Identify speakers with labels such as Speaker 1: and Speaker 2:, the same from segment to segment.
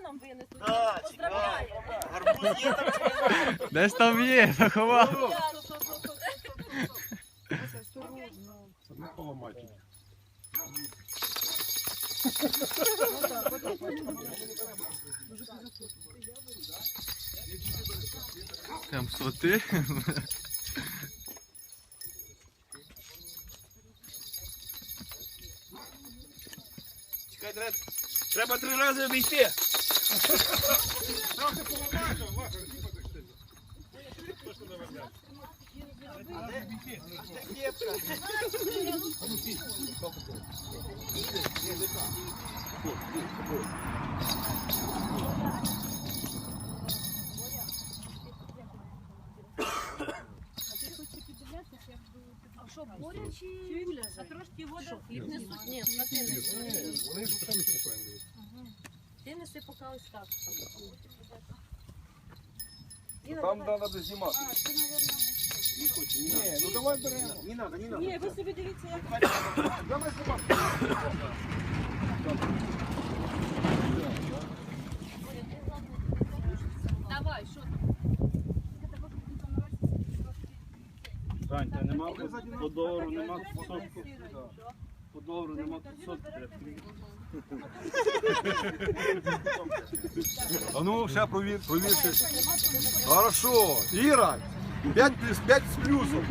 Speaker 1: нам винесуть.
Speaker 2: Так,
Speaker 1: Поздравляємо.
Speaker 2: Гарбуз є там чи немає?
Speaker 3: Десь там є, заховав.
Speaker 4: Не поламати.
Speaker 3: Прям соти.
Speaker 2: Чекай, треба 3 рази обійти.
Speaker 1: А що, боря чи Юля? А трошки вода хліб несуть? Ні,
Speaker 4: Вони ж самі спокійно.
Speaker 1: ти неси поки ось так.
Speaker 4: Там треба знімати. Ні, ну давай беремо.
Speaker 2: Не надо, не надо.
Speaker 1: Ні, ви собі дивіться, як
Speaker 4: Давай знімати.
Speaker 1: давай, що
Speaker 2: Тань, та нема по долару, нема сотку. По долару нема сотку.
Speaker 4: А ну, ще провірте. Хорошо. Іра, 5 з плюсом.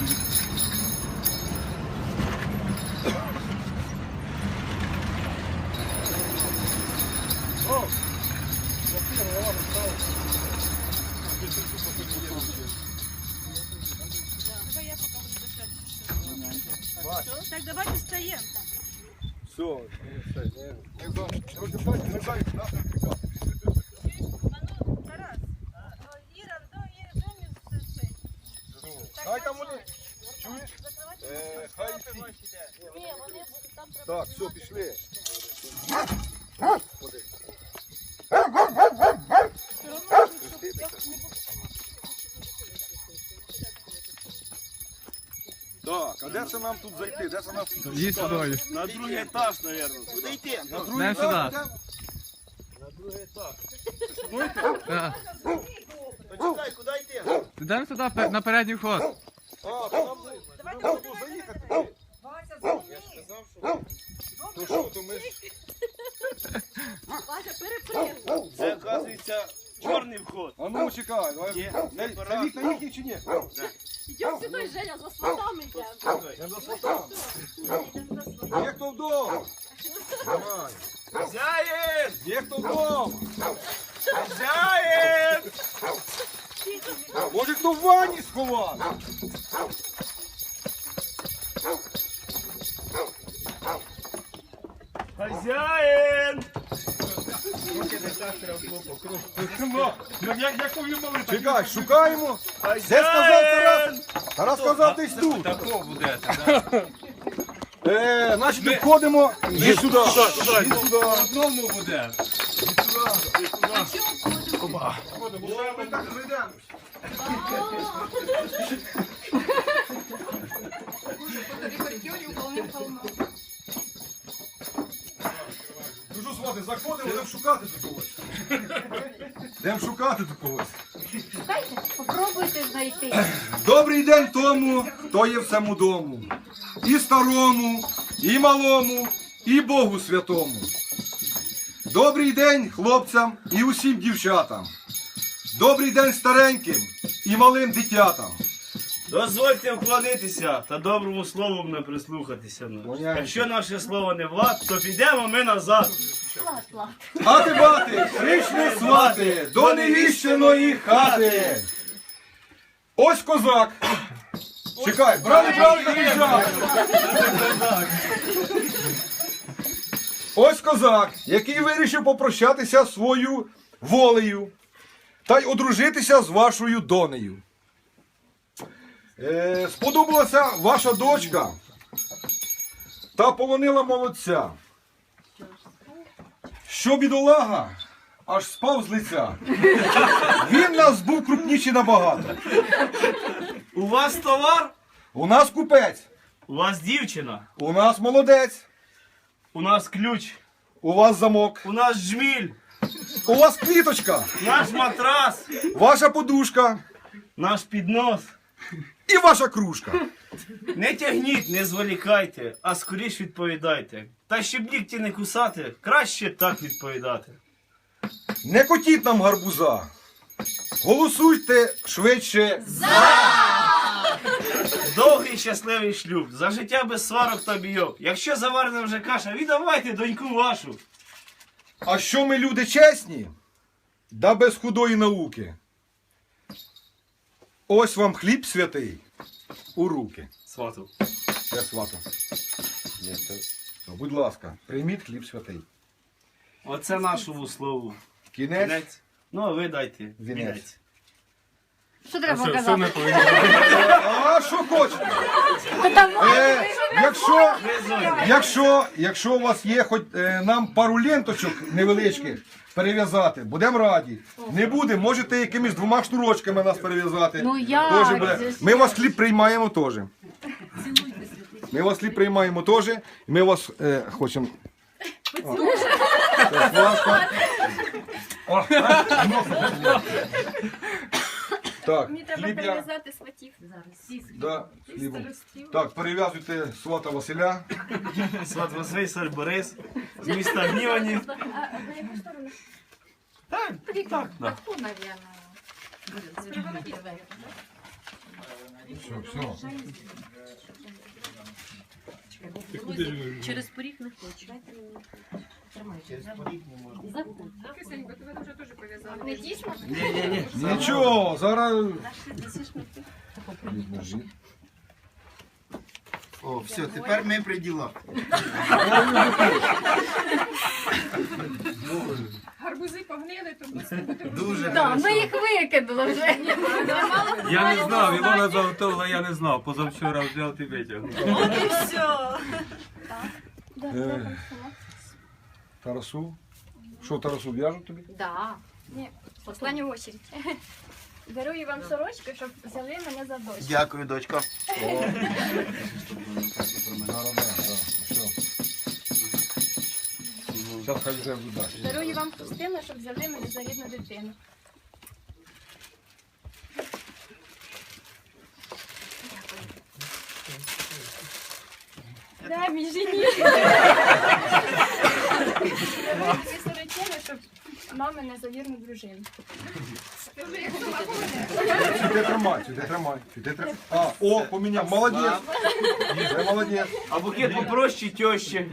Speaker 4: О!
Speaker 1: Так, давайте встаємо.
Speaker 4: Все. Не знаю,
Speaker 1: Тарас, Іра,
Speaker 4: Хай там вони. Чуєш? Хай всі.
Speaker 1: Ні, вони там треба.
Speaker 4: Так, все, пішли. Так, а де це нам тут зайти? Де це нам тут?
Speaker 3: Їдь сюди.
Speaker 2: На другий етаж, мабуть. Куди йти?
Speaker 4: На
Speaker 3: Йдемо
Speaker 4: другий
Speaker 3: сюди.
Speaker 4: етаж?
Speaker 2: На другий етаж.
Speaker 3: Так.
Speaker 2: Почекай, куди йти?
Speaker 3: Йдемо сюди на передній вход.
Speaker 4: А, то нам треба було заїхати. Я ж сказав, що... То що, то ми ж...
Speaker 1: Вася, перепригуй.
Speaker 2: Це, оказується, чорний вход.
Speaker 4: А ну, чекай. давай.
Speaker 2: Є.
Speaker 4: Це вікна їхні чи ні?
Speaker 1: Йдемо сюди, Женя, за сватами йдемо.
Speaker 4: Я за сватами. Є хто вдома? Давай.
Speaker 2: Хазяїн!
Speaker 4: Є хто вдома?
Speaker 2: Хазяїн!
Speaker 4: Може хто в ванні сховав?
Speaker 2: Хазяїн!
Speaker 4: Чекай, шукаємо. Де сказав Тарас? Тарас сказав десь тут.
Speaker 3: Тако буде.
Speaker 4: Значить, входимо. Іди сюди. Іди сюди.
Speaker 3: Одному буде.
Speaker 4: Ми так прийдемо. Ну що, свати, заходимо, йдемо шукати тут когось. Йдемо шукати тут когось.
Speaker 1: Попробуйте знайти.
Speaker 4: Добрий день тому, хто є в цьому дому. І старому, і малому, і Богу святому. Добрий день хлопцям і усім дівчатам. Добрий день стареньким і малим дитятам.
Speaker 2: Дозвольте вклонитися та доброму слову не прислухатися. Якщо наше слово не влад, то підемо ми назад.
Speaker 4: Ати бати, прийшли свати до невіщеної хати. Ось козак. Чекай, брали, їжджали. Ось козак, який вирішив попрощатися свою волею та й одружитися з вашою донею. Сподобалася ваша дочка та полонила молодця. Що бідолага аж спав з лиця. Він нас був крупніший набагато.
Speaker 2: У вас товар,
Speaker 4: У нас купець,
Speaker 2: у вас дівчина,
Speaker 4: у нас молодець,
Speaker 2: у нас ключ,
Speaker 4: у вас замок.
Speaker 2: у нас жміль.
Speaker 4: У вас квіточка,
Speaker 2: Наш матрас,
Speaker 4: ваша подушка
Speaker 2: наш піднос.
Speaker 4: і ваша кружка.
Speaker 2: Не тягніть, не зволікайте, а скоріш відповідайте. Та щоб нігті не кусати, краще так відповідати.
Speaker 4: Не котіть нам гарбуза. Голосуйте швидше.
Speaker 2: Довгий щасливий шлюб, за життя без сварок та бійок. Якщо заварена вже каша, віддавайте доньку вашу.
Speaker 4: А що ми люди чесні? Да без худої науки. Ось вам хліб святий у руки.
Speaker 2: Свату.
Speaker 4: Я свату. Ну, будь ласка, прийміть хліб святий.
Speaker 2: Оце нашому слову.
Speaker 4: Кінець.
Speaker 2: Кінець. Ну, а ви дайте.
Speaker 4: Вінець.
Speaker 1: Що треба
Speaker 3: Що ми
Speaker 1: показати?
Speaker 3: повинні?
Speaker 4: А що хочете? Якщо у вас є хоч нам пару ленточок невеличких перев'язати, будемо раді. Не буде, можете якимись 2 шнурочками нас перев'язати.
Speaker 1: Ну як?
Speaker 4: Тоже буде. Ми вас хліб приймаємо теж. Ми вас хліб приймаємо теж. І ми вас хочемо. Так, ласка. О, так,
Speaker 5: Мені треба
Speaker 4: хліб я.
Speaker 5: перев'язати сватів.
Speaker 4: Да, хлібом. Так, перев'язуйте свата Василя.
Speaker 2: Сват Василь, цар Борис, з міста Гнівані.
Speaker 5: А на яку сторону?
Speaker 2: Так, так, так.
Speaker 5: Ту, навірно.
Speaker 4: Все, все.
Speaker 1: Через поріг не хочу.
Speaker 5: Не дійсно?
Speaker 2: Ні.
Speaker 4: Нічого, зараз.
Speaker 6: О, все, тепер ми при ділах.
Speaker 5: Гарбузи погнили, тому
Speaker 6: Дуже
Speaker 1: Так,
Speaker 6: хорошо.
Speaker 1: ми їх викинули вже.
Speaker 3: Я не знав, Ілона заготовила, я не знав. Позавчора взяв і витягнув.
Speaker 4: Тарасу. Що, Тарасу в'яжуть тобі?
Speaker 1: Да.
Speaker 5: Ні, остання очередь. Дарую вам сорочку, щоб взяли мене за дощ.
Speaker 6: Дякую, дочка.
Speaker 4: Зараз, да, все. Зараз хай вже вдасть.
Speaker 5: Дарую вам хустину, щоб взяли мене за рідну дитину. Да, мій жені. Ці сорочини, щоб мами не за вірну дружину.
Speaker 4: Сюди тримай, сюди тримай. Сюди тримай. А, о, поміняв. Молодець. Вже молодець.
Speaker 2: А букет попроще тещі.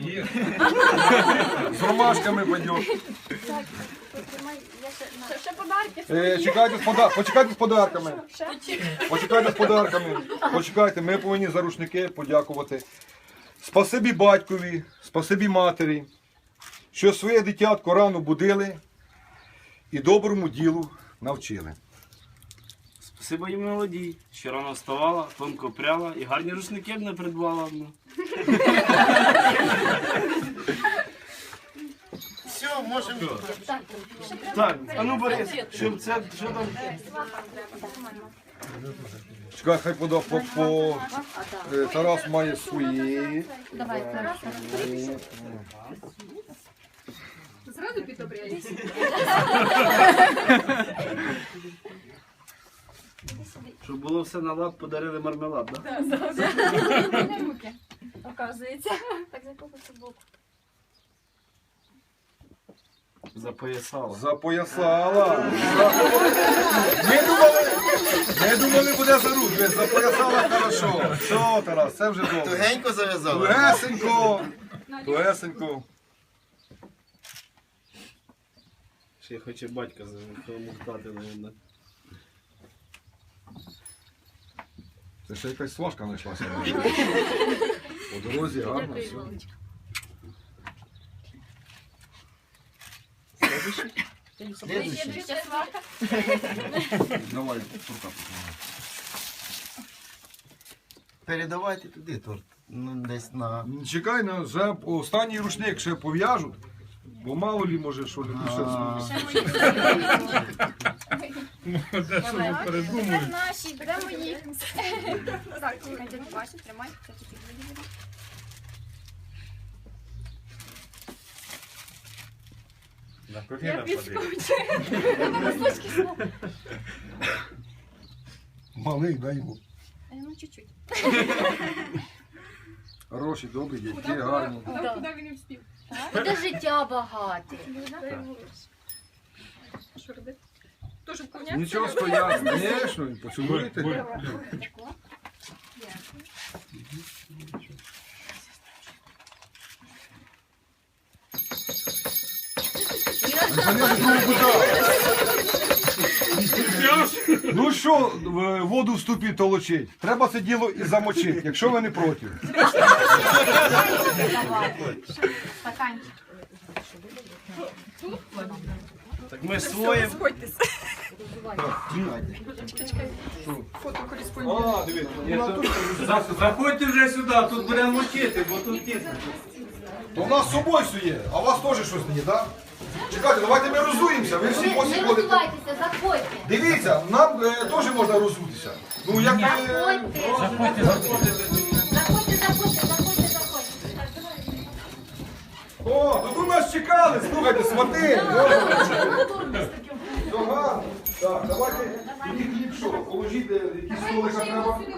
Speaker 4: З ромашками пойдеш.
Speaker 5: Так, потримай, я ще подарки.
Speaker 4: Почекайте з подарками.
Speaker 5: Ще.
Speaker 4: Почекайте з подарками. Почекайте, ми повинні за рушники подякувати. Спасибі батькові, спасибі матері, що своє дитятко рано будили і доброму ділу навчили.
Speaker 2: Спасибо їм молодій, що рано вставала, тонко пряла і гарні рушники б не придбала.
Speaker 6: Все, можемо.
Speaker 2: Так, а ну Борис, щоб це, що там?
Speaker 4: Чекай, хай Тарас має свої.
Speaker 1: Давай, Тарас.
Speaker 2: Щоб було все на лад, подарили мармелад, так?
Speaker 5: Не руки, оказується. Так, за кого це боку?
Speaker 2: Запоясала.
Speaker 4: Запоясала. Ми думали, буде за руки. Запоясала хорошо. Все, Тарас, це вже добре.
Speaker 6: Тугенько зав'язали.
Speaker 4: Тугесенько. Тугесенько.
Speaker 2: Ще хоче батька замухтати, мабуть.
Speaker 4: Це ще якась сважка знайшлася. По дорозі гарно все.
Speaker 6: Слідуючий.
Speaker 5: Ще сварка.
Speaker 4: Давай, рука.
Speaker 6: Передавайте туди торт. Ну, десь на...
Speaker 4: Чекай, вже останній рушник ще пов'яжуть, бо мало лі може, що люди ще
Speaker 5: Тепер наші, беремо їх. Так, дядь Вася, тримай. Це тільки буде.
Speaker 3: На коліна падає.
Speaker 5: Треба носочки знову.
Speaker 4: Малий, дай йому.
Speaker 5: Ну, чуть-чуть.
Speaker 4: Хороші, добрі дядьки, гарні.
Speaker 5: Куди він не встиг?
Speaker 1: Буде життя багате.
Speaker 5: Що робити? Тоже вкуняться?
Speaker 4: Нічого стояти, звісно, поцілуйте. Ну що, воду в ступі толочить? Треба це діло і замочити, якщо ви не проти.
Speaker 5: Стаканчик.
Speaker 2: Так ми своїм.
Speaker 4: А, дивіться.
Speaker 3: Заходьте вже сюди, тут будемо мочити, бо тут тісно.
Speaker 4: То у нас з собою все є, а у вас теж щось не є, так? Чекайте, давайте ми розуємося, ви всі
Speaker 1: Не
Speaker 4: посі ходите.
Speaker 1: роздувайтеся, заходьте.
Speaker 4: Дивіться, нам теж можна розутися. Ну, як
Speaker 1: Заходьте. Заходьте.
Speaker 4: О, тут у нас чекали, слухайте, свати. Ага. Так, давайте, тоді хліб що, положіть, якісь столика треба.